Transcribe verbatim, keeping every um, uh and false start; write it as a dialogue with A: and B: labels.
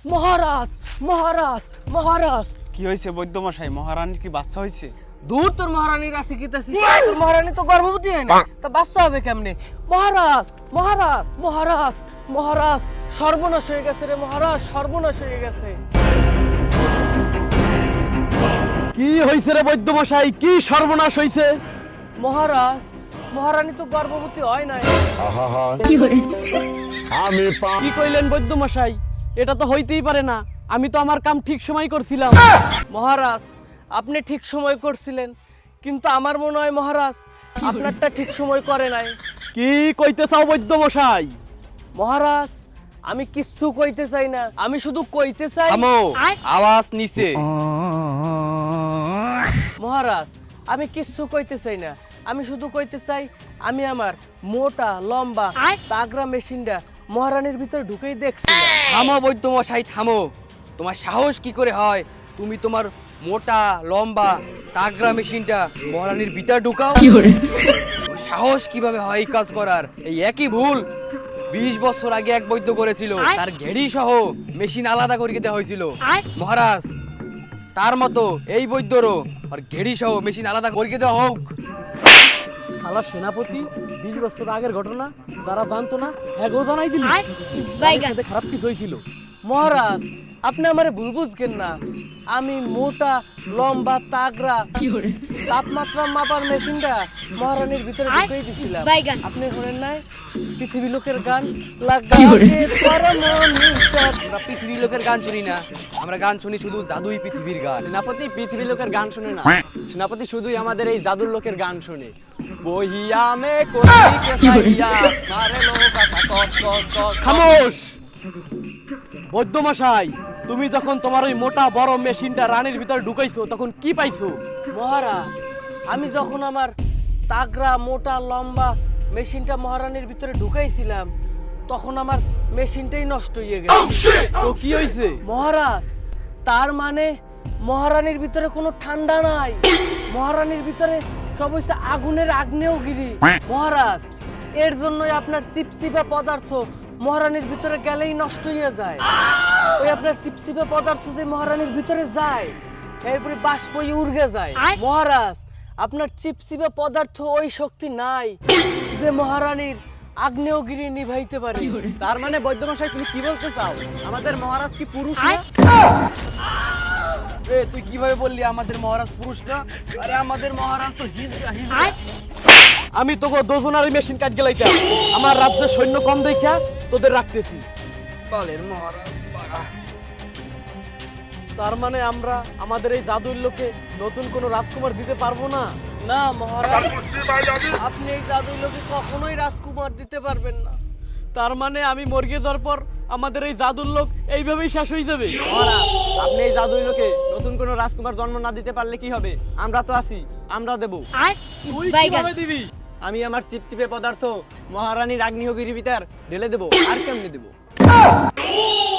A: মহারাজ মহারাজ মহারাজ।
B: কি হয়েছে বৈদ্যমশাই? মহারানীর কি বাচ্চা হয়েছে?
A: দূর তোর মহারানীর রাশি কিতাছি, তোর মহারানী তো গর্ভবতী হয় না, তা বাচ্চা হবে কেমনে? মহারাজ মহারাজ মহারাজ মহারাজ, সর্বনাশ হয়ে গেছে রে মহারাজ, সর্বনাশ হয়ে গেছে।
C: কি হইছে রে বৈদ্যমশাই, কি সর্বনাশ হইছে?
A: মহারাজ মহারানী তো গর্ভবতী হয় নাই।
D: আমি
C: কি কইলেন বৈদ্যমশাই? এটা তো হইতেই পারে না, আমি তো আমার কাম ঠিক সময় করছিলাম।
A: মহারাজ আপনি ঠিক সময় করছিলেন, কিন্তু আমার মনে হয় মহারাজ আপনারটা ঠিক সময় করে নাই।
C: কি কইতে চাও বৈদ্যমশাই?
A: মহারাজ আমি কিচ্ছু কইতে চাই না, আমি শুধু কইতে চাই।
E: থামো, আওয়াজ নিচে।
A: মহারাজ আমি কিচ্ছু কইতে চাই না, আমি শুধু কইতে চাই আমি আমার মোটা লম্বা তাগরা মেশিনটা মহারানীর ভিতরে ঢুকেই দেখছি।
E: থামো বৈদ্যমশাই, থামো। তোমার সাহস কি করে হয় তুমি তোমার মোটা লম্বা তাগরা মেশিনটা মহারানীর ভিতর ঢুকাও? তোমার সাহস কিভাবে হয় এই কাজ করার? এই একই ভুল বিশ বছর আগে এক বৈদ্য করেছিল, তার ঘেড়ি সহ মেশিন আলাদা করে দেওয়া হয়েছিল। মহারাজ তার মতো এই বৈদ্যরও আর ঘেড়ি সহ মেশিন আলাদা করে দেওয়া হোক।
C: শালা সেনাপতি বিশ বছর আগের ঘটনা যারা জানতো না হ্যাগো জানাই দিল। সাথে খারাপ কিছু হয়েছিল?
A: মহারাজ আপনি আমারে ভুল বুঝবেন না, আমি মোটা লম্বা তাগরা তাপমাত্রা মাপার মেশিনটা মহারানীর ভিতরে ঢুকেই দিছিলাম। আপনি শোনেন নাই পৃথিবী লোকের গান লাগাতে পরমনিষ্ঠা?
E: আমরা পৃথিবীর লোকের গান শুনি না, আমরা গান শুনি শুধু জাদুই পৃথিবীর গান।
B: সেনাপতি পৃথিবীর লোকের গান শুনে না, সেনাপতি শুধুই আমাদের এই জাদুর লোকের গান শুনে। বহিয়া মে কোটি কে সাইয়া মারে লোক আসা কস কস কস।
C: খামোশ! বৈদ্যমশাই তুমি যখন তোমার ওই মোটা বড় মেশিনটা রানীর ভিতরে ঢুকাইছো তখন কি পাইছো?
A: মহারাজ আমি যখন আমার তাগরা মোটা লম্বা মেশিনটা মহারানীর ভিতরে ঢুকাইছিলাম তখন আমার মেশিনটাই নষ্ট হয়ে গেছে।
C: তো কি হইছে?
A: মহারাজ তার মানে মহারানীর ভিতরে কোনো ঠান্ডা নাই, মহারানীর ভিতরে সব হইছে আগুনের আগ্নেয়গিরি। মহারাজ এর জন্যই আপনার চিপচিপা পদার্থ মহারানীর ভিতরে গেলেই নষ্ট হয়ে যায়। ওই আপনার চিপচিপা পদার্থ যে মহারানীর ভিতরে যায় এরপরে বাষ্প হয়ে উড়ে যায়। মহারাজ আপনার চিপচিপা পদার্থ ওই শক্তি নাই যে মহারানীর আগ্নেয়গিরি নিভাইতে পারে।
B: তার মানে বৈদ্যমশাই তুমি কি বলতে চাও? আমাদের মহারাজ কি পুরুষ না?
E: এ তুই কিভাবে বললি আমাদের মহারাজ পুরুষ না? আরে আমাদের মহারাজ তো হিজড়া হিজড়া।
C: আমি তোকে দোজনারি মেশিন কাট গেলাইতাম, আমার রাজ্যের সৈন্য কম দেখা তোদের রাখতেছি।
E: কালের মহারাজ পারা।
C: তার মানে আমরা আমাদের এই জাদুর লোকে নতুন কোনো রাজকুমার দিতে পারবো না?
A: না মহারাজ আপনি এই জাদুই লোকে কখনোই রাজকুমার দিতে পারবেন না।
C: তার মানে আমি মর্গে যাওয়ার পর আমাদের এই জাদুর লোক এইভাবেই শেষ হয়ে যাবে?
B: মহারাজ আপনি এই জাদুই লোকে নতুন কোনো রাজকুমার জন্ম না দিতে পারলে কি হবে? আমরা তো আছি, আমরা দেব।
C: তুই কিভাবে দিবি?
B: আমি আমার চিপচিপে পদার্থ মহারানীর আগ্নেয়গিরি ভিতর ঢেলে দেব। আর কেমনে দেব?